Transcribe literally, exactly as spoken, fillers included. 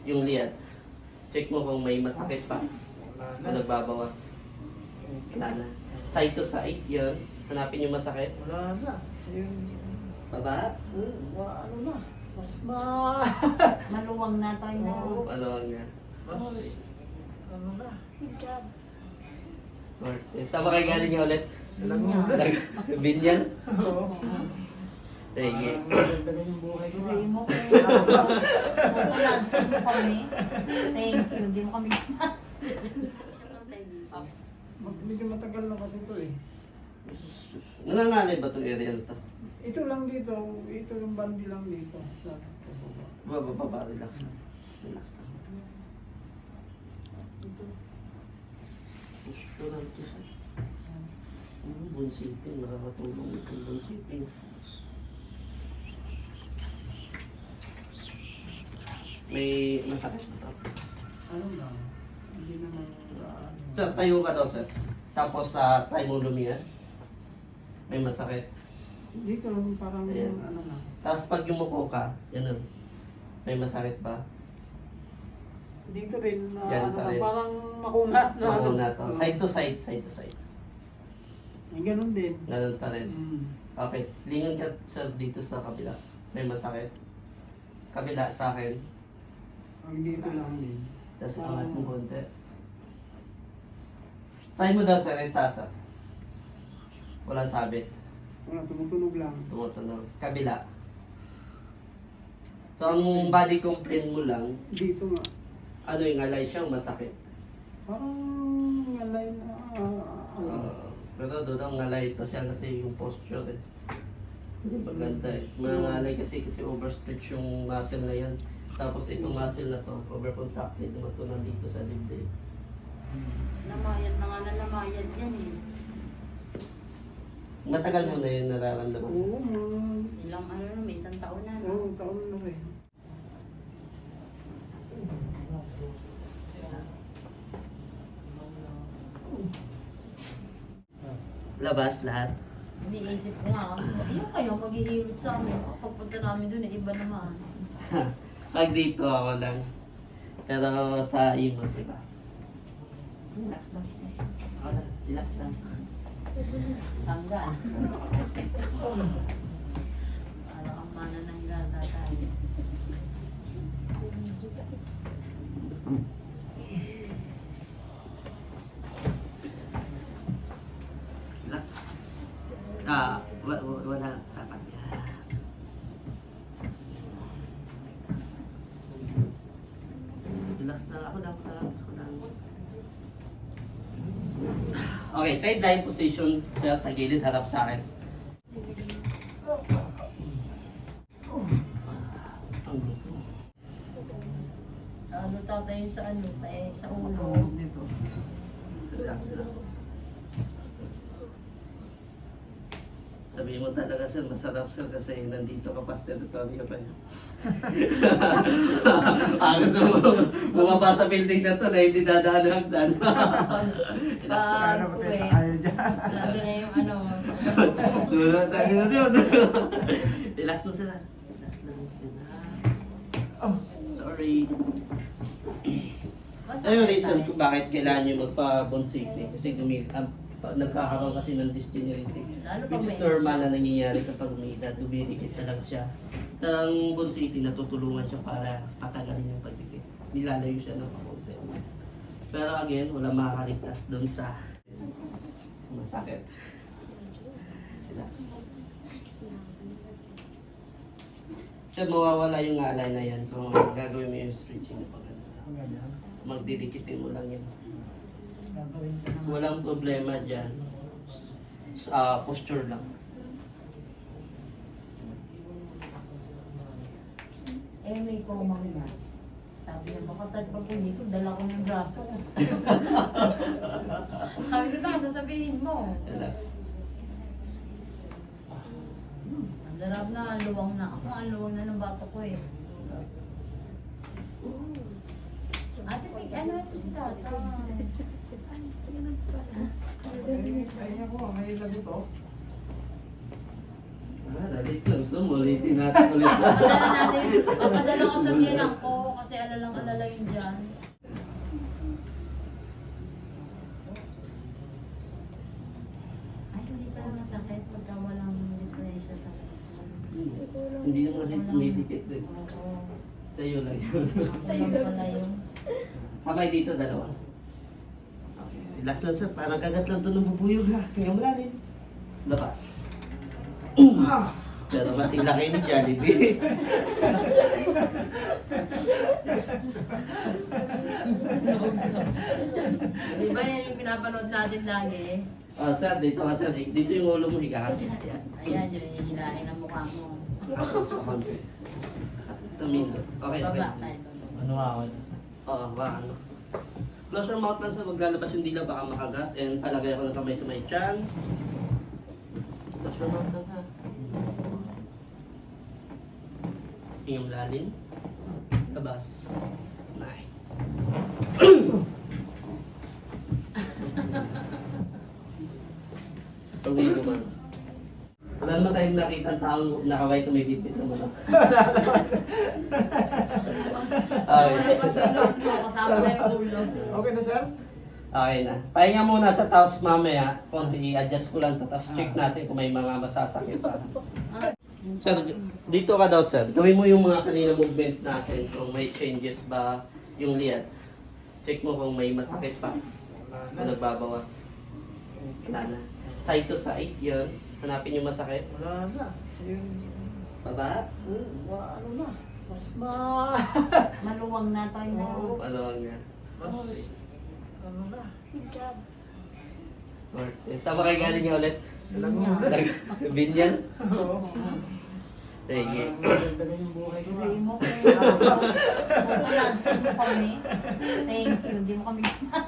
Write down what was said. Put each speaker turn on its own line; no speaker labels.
yung liat. Check mo kung may masakit pa. Kung nagbabawas. Wala na. Side to side, yun. Hanapin yung masakit.
Wala na. Yung,
Baba?
hmm, wa- ano na. Mas ma...
Maluwang na tayo na.
Oo.
Ano nga.
Mas... Ano na.
Good job.
Martin. Saan ba kayo galing niya ulit?
Alam mo
Binyan.
ulit.
Binyan?
Oo.
Sige.
Magandang yung buhay ko.
Pray mo kayo. Malansin mo kami. Thank you. Hindi mo kami lansin.
Mag- Medyo matagal na kasi ito eh.
Nangangalay ba itong area na to?
Ito lang dito. Ito yung bandi lang dito. Sa
Baba, baba, relax lang. Relax lang. Posture lang ito sa... Ano, bunsiting. Nakakatulong itong bunsiting. May masakit ba ito?
ano lang. Hindi naman... Uh,
Sir, tayo ka daw, sir. Tapos sa uh, tayo mo lumiyan. May masakit.
dito lang parang
Ayan.
ano na.
Tapos pag yumuko ka, yan o. May masakit ba?
Dito rin na
Yan
ano
pa
na,
rin.
parang makunat na
Oo
ano.
na to.
Oo.
Side to side, side to side.
Eh, ganun din.
Ganun pa rin.
Mm.
Okay. Lingon ka, sir, dito sa kabila. May masakit. Kabila sa akin.
Ang dito lang din.
Tapos
Ah.
angat mo konti. Try mo daw, sir, itaas ah. Walang sabit.
Wala, tumutunog lang.
Tumutunog. Kabila. So, ang body complaint mo lang,
Dito nga.
ano yung alay siya o masakit?
Parang ngalay na ah, ano.
Uh, pero doon ang ngalay ito siya kasi yung posture eh. Hindi maganda eh. Mga ngalay kasi kasi overstretch yung muscle na yan. Tapos itong muscle na to, overcontracted naman ito nandito sa dibdib.
Namayad na nga na namayad yan eh.
Matagal mo na yun nararamdaman.
Oo, mga...
Ilang ano na, may isang taon na.
Oo,
No?
taon na rin.
Labas lahat.
Iniisip ko nga, ayun kayo maghihilot sa amin. Pagpunta namin dun, eh, iba naman.
Pag dito ako lang. Pero sa imo sila. Relax lang. Ako lang. Relax lang.
Tanggal. Para kang manananggal tatay.
Relax. Ah, wa- wa- wala. Dapat yan. Relax na ako lang. Ako lang. Ako lang. Okay, sideline position. Sir, tagilid, harap sa akin. Ang gusto.
Sa ano tatay yung sa ano, kaya sa ulo.
Dito.
Relax lang. Sabihin mo talaga, sir, masarap, sir, kasi nandito ka past territory pa yun. ah, gusto mo bumaba sa building na to na hindi dadaan ng hagdan.
Pag uwi,
dyan.
nandun na yung ano.
Doon tayo na yun. Relax na sila. Relax lang. Relax.
Oh.
Sorry.
Masakit
Ano yung reason
tayo.
kung bakit kailangan nyo magpa-bonsity? Kasi gumi ah, pa- nagkakaroon kasi ng degenerative.
Lalo pag
Which is
may-
normal na nangyayari kapag umiidad. Dumidikit talaga siya. Ang bonsity, natutulungan siya para patagalin yung pagdikit. Nilalayo siya ng kakunti. Pero again, wala makakaligtas doon sa masakit. Relax. Siya mawawala yung ngalay na yan kung gagawin mo yung stretching na pag magdidikitin mo lang yan.
Gagawin ko naman.
Walang problema dyan. Sa posture lang.
Eh, may komang niya. Sabi niya, baka tad pag ko, dala ko ng braso. Sabi ko, ba, sasabihin mo.
Relax.
Ang darab na, luwang na. Ako ang luwang na ng bata ko eh. Ate, may ano ito si tata?
Kaya ko, may lagot to.
Ah, lalit lang. Gusto mo, ulitin natin ulit.
Papadala natin. Papadala ko sa bilang ko kasi alalang alala kami dyan. Ay, hindi pala masakit pagka walang depresya sa
Hindi naman kasi tumidikit din.
Oo.
Sa'yo lang yun.
Sa'yo pala yun.
Kamay dito, dalawa. Okay. Relax lang sir, parang kagat lang ito ng bubuyog ha. Hinga mo lalim. Labas. Pero kasing laki ni Jollibee.
Di ba yan yung pinapanood natin lagi?
Ah, sir, dito ka sir. Dito yung ulo mo, higa ka. Ayan.
Ayan, yun yung hilahin ng mukha mo.
Tapos kakonti. Tamindo. Okay, okay.
Baba tayo.
Ano ako?
Oo, baka ano. Close your mouth lang sa maglalabas yung dila, baka makagat. And palagay ako ng kamay sa may tiyan. Close your mouth lang ha. Hingam lalim. Labas. Nice. Tuloy naman. Wala naman tayong nakita ang taong nakaway tumibit-bit naman.
Kasama na pa sa loob mo, kasama na yung ulo.
Okay na, sir?
Okay na. Pahinga muna sa taos mamaya. Konti i-adjust ko lang to. Tapos check natin kung may mga masasakit pa. Sir, dito ka daw sir. Gawin mo yung mga kanina movement natin. Kung may changes ba yung liat. Check mo kung may masakit pa. Kung nagbabawas. Wala na. Side to side, yun. Hanapin yung masakit.
Wala na. Yung,
Baba.
hmm, wa- ano na. Mas ma...
Maluwang na tayo na.
Oo.
Ano lang nga.
Mas... Ano na.
Or, saan ba kayo galing niya ulit?
Binyan.
Binyan?
Oo.
Sige.
Parang maganda yung buhay ko.
Tuloy mo kayo. Kung mo kami. Thank you. Hindi mo kami